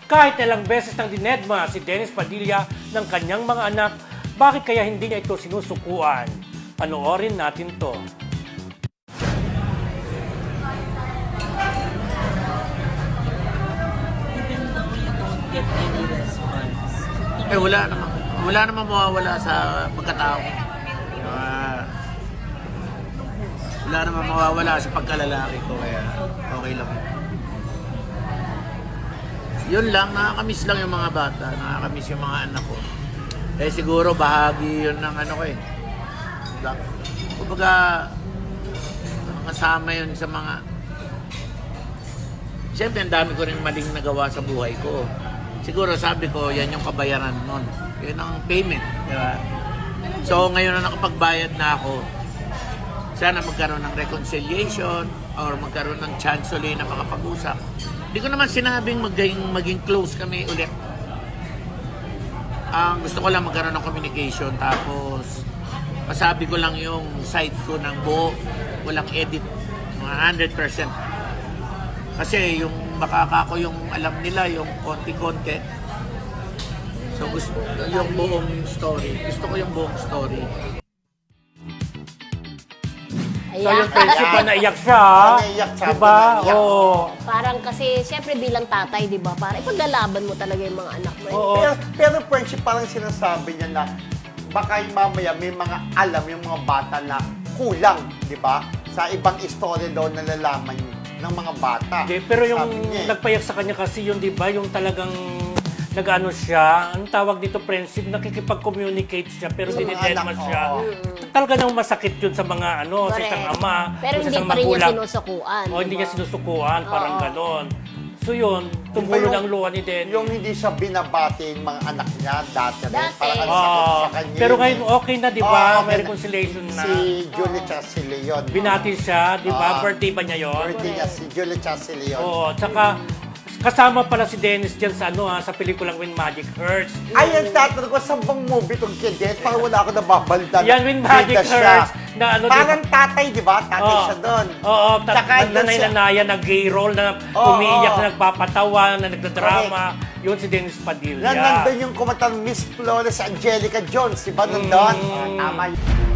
Kahit ilang beses nang dinedma si Dennis Padilla ng kanyang mga anak, bakit kaya hindi niya ito sinusukuan? Panoorin natin to. Wala namang mawawala sa pagkatao. Wala namang mawawala sa pagkalalaki ko, kaya okay lang. Yun lang, nakakamiss lang yung mga bata, nakakamiss yung mga anak ko. Eh siguro bahagi yun ng ano ko eh. Kumbaga, kasama yun sa mga... Siyempre, ang dami ko rin maling nagawa sa buhay ko. Siguro sabi ko, yan yung kabayaran nun. Yun ang payment, di ba? So ngayon na nakapagbayad na ako, sana magkaroon ng reconciliation or magkaroon ng chance ulit na makapag-usap. Hindi ko naman sinabing maging close kami ulit. Ang gusto ko lang magkaroon ng communication, tapos masabi ko lang yung side ko ng buo, walang edit, mga 100%. Kasi yung makaka ko yung alam nila, yung konti-konti. So gusto yung buong story. Gusto ko yung buong story. So yung friendship ba, naiyak siya? Naiyak siya. Diba? Naiyak. Oo. Parang kasi, syempre bilang tatay, di ba? Para ipaglalaban mo talaga yung mga anak mo. Oo. Pero friendship, parang sinasabi niya na baka mamaya may mga alam yung mga bata na kulang, di ba? Sa ibang istorya daw nalalaman ng mga bata. Pero yung Sabi niya eh. nagpayak sa kanya kasi yun, di ba? Yung talagang nag-ano siya, ang tawag dito friendship, nakikipag-communicate siya pero Sa mga dinidedma anak, siya. oo. Talaga nang masakit yun sa mga ano, sa Correct. isang ama, Pero sa hindi isang pa rin niya magulang. sinusukuan. O hindi niya sinusukuan, parang Oo. ganon. So yun, tumulo Yung- ng luha ni Dennis. Yung hindi siya binabati yung mga anak niya dati rin. Dati. Parang ang sakit Oo. sa kanya. Pero yun ngayon eh. okay na, di Oo, ba? okay May na. reconciliation na. Si Julie tsaka si Leon. Binati siya, di ba? Oo. Birthday ba niya yun? Birthday niya si Julie tsaka si Leon. Oo, tsaka kasama pala si Dennis dyan sa ano sa pelikulang When Magic Hurts. Ayun, tatanong ko, saan bang movie itong kid? Parang wala ako nababalda. Yan, When Magic Bida siya. Hurts, na ano, Parang tatay, di ba? Tatay Oo. siya doon. Oo, Tsaka doon siya- nanay-nanaya na gay role na Oo, umiiyak, oo. na nagpapatawa, na nagdadrama. Yun si Dennis Padilla. Nandun yung kumatang Miss Flores Angelica Jones, di ba? Nandun. Tama yun.